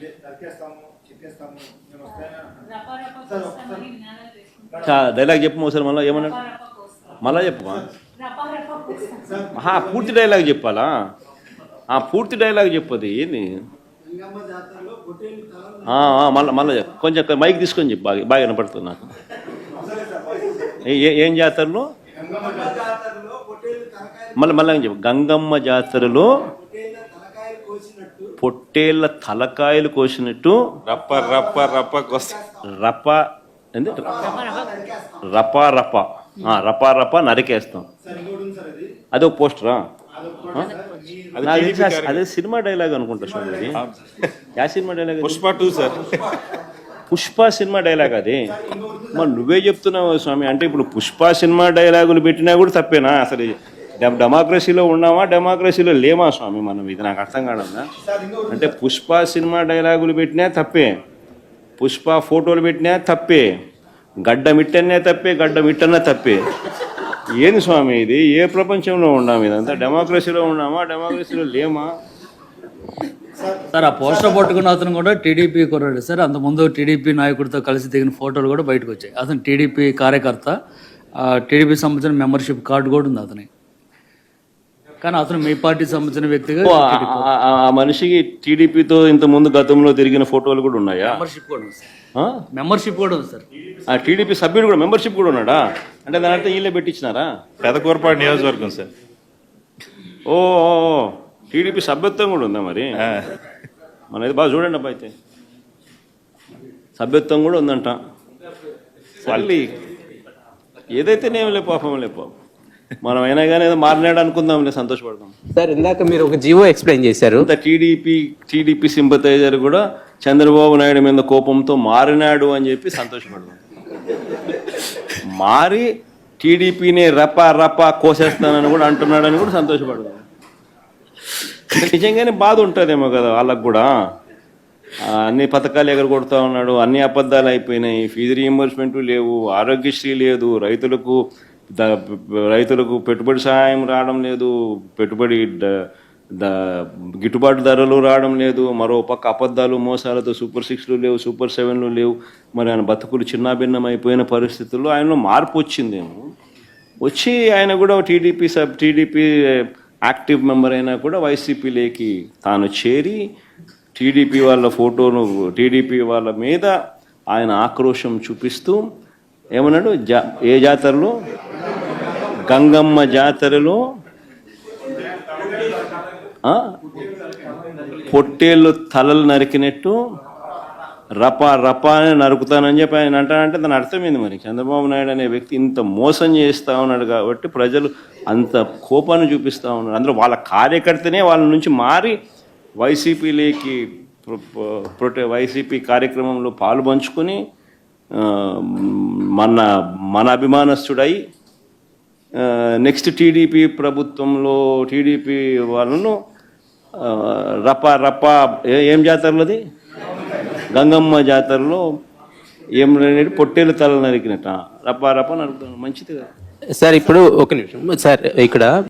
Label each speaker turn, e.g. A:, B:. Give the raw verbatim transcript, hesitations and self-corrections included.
A: Dialogue చెప్పు ఒకసారి మళ్ళీ ఏమన్నాడు మళ్ళా చెప్పు పూర్తి డైలాగ్ చెప్పాలా పూర్తి డైలాగ్ చెప్పది ఏంది మళ్ళీ మళ్ళీ కొంచెం మైక్ తీసుకొని చెప్పు బాగా బాగా వినపడుతుంది నాకు. ఏం జాతరలో మళ్ళీ మళ్ళీ చెప్పు. గంగమ్మ జాతరలో పొట్టేళ్ళ తలకాయలు కోసినట్టు
B: రప్ప రప్ప రప్ప
A: రప్ప ఏంది రపా రప రపా రప నరికేస్తాం. అదొక పోస్టరా? అదే సినిమా డైలాగ్ అనుకుంటా స్వామి. Yeah cinema dialogue?
B: Pushpa two sir.
A: Pushpa cinema dialogue అది. మరి నువ్వే చెప్తున్నావు స్వామి. అంటే ఇప్పుడు పుష్ప సినిమా డైలాగులు పెట్టినా కూడా తప్పేనా? అసలు డెమోక్రసీలో ఉన్నామా డెమోక్రసీలో లేమా స్వామి మనం? ఇది నాకు అర్థం కాదన్నా. అంటే పుష్ప సినిమా డైలాగులు పెట్టినా తప్పే, పుష్ప ఫోటోలు పెట్టినా తప్పే, గడ్డ మిట్టనే తప్పే, గడ్డ మిట్టనే తప్పే. ఏంది స్వామి ఇది? ఏ ప్రపంచంలో ఉన్నాము? ఇదంతా డెమోక్రసీలో ఉన్నామా డెమోక్రసీలో లేమా?
C: సార్ ఆ పోస్టర్ పట్టుకున్న అతను కూడా టీడీపీ కుర్రాడు సార్. అంతకుముందు టీడీపీ నాయకుడితో కలిసి దిగిన ఫోటోలు కూడా బయటకు వచ్చాయి. అతను టీడీపీ కార్యకర్త, టీడీపీ సంబంధించిన మెంబర్షిప్ కార్డు కూడా ఉంది అతని. కానీ అతను మీ పార్టీ సంబంధించిన వ్యక్తిగా
A: ఆ మనిషికి టీడీపీతో ఇంత ముందు గతంలో తిరిగిన ఫోటోలు కూడా ఉన్నాయా?
C: మెంబర్షిప్ కూడా ఉంది సార్. మెంబర్షిప్ కూడా ఉంది సార్.
A: ఆ టీడీపీ సభ్యుడు కూడా మెంబర్షిప్ కూడా ఉన్నాడా? అంటే దాని అర్థం వీళ్ళే పెట్టించినారా?
B: పెదకూరపాడు నియోజకవర్గం సార్.
A: ఓ టీడీపీ సభ్యత్వం కూడా ఉందా మరి? మనది బాగా చూడండి అబ్బా. అయితే సభ్యత్వం కూడా ఉందంట. మళ్ళీ ఏదైతేనేం లే పాపం లే పాపం. మనం అయినా కానీ ఏదో మారినాడు అనుకుందాం, సంతోషపడదాం.
D: సార్ ఇందాక మీరు ఒక జీవో ఎక్స్ప్లెయిన్ చేశారు.
A: టీడీపీ టీడీపీ సింపతైజర్ కూడా చంద్రబాబు నాయుడు మీద కోపంతో మారినాడు అని చెప్పి సంతోషపడదాం. మారి టీడీపీని రప రప కోసేస్తానని కూడా అంటున్నాడని కూడా సంతోషపడదాం. నిజంగానే బాధ ఉంటుందేమో కదా వాళ్ళకు కూడా. అన్ని పథకాలు ఎగరగొడతా ఉన్నాడు, అన్ని అబద్ధాలు అయిపోయినాయి, ఫీజు రీయింబర్స్మెంట్ లేవు, ఆరోగ్యశ్రీ లేదు, రైతులకు రైతులకు పెట్టుబడి సహాయం రావడం లేదు, పెట్టుబడి గిట్టుబాటు ధరలు రావడం లేదు, మరో పక్క అబద్ధాలు మోసాలతో సూపర్ సిక్స్లు లేవు, సూపర్ సెవెన్లు లేవు. మరి ఆయన బతుకులు చిన్నాభిన్నం అయిపోయిన పరిస్థితుల్లో ఆయనలో మార్పు వచ్చిందేమో. వచ్చి ఆయన కూడా TDP sub TDP active member అయినా కూడా వైసీపీలోకి తాను చేరి టీడీపీ వాళ్ళ ఫోటోను టీడీపీ వాళ్ళ మీద ఆయన ఆక్రోశం చూపిస్తూ ఏమన్నాడు? జా ఏ జాతరలో? గంగమ్మ జాతరలో పొట్టేళ్ళు తలలు నరికినట్టు రపా రపా అని నరుకుతానని చెప్పి ఆయన అంటానంటే దాని అర్థమైంది. మరి చంద్రబాబు నాయుడు అనే వ్యక్తి ఇంత మోసం చేస్తూ ఉన్నాడు కాబట్టి ప్రజలు అంత కోపాన్ని చూపిస్తూ ఉన్నారు. అందులో వాళ్ళ కార్యకర్తనే వాళ్ళ నుంచి మారి వైసీపీలోకి ప్రొటే వైసీపీ కార్యక్రమంలో పాలు పంచుకొని మన మన అభిమానస్తుడై నెక్స్ట్ టీడీపీ ప్రభుత్వంలో టీడీపీ వాళ్ళను రపా రపా ఏం జాతరలోది? గంగమ్మ జాతరలో ఏం పొట్టేలు తల నరికినట్ట రపా రపా నరుకుతాను. మంచిది కదా
D: సార్. ఇప్పుడు ఒక నిమిషం సార్, ఇక్కడ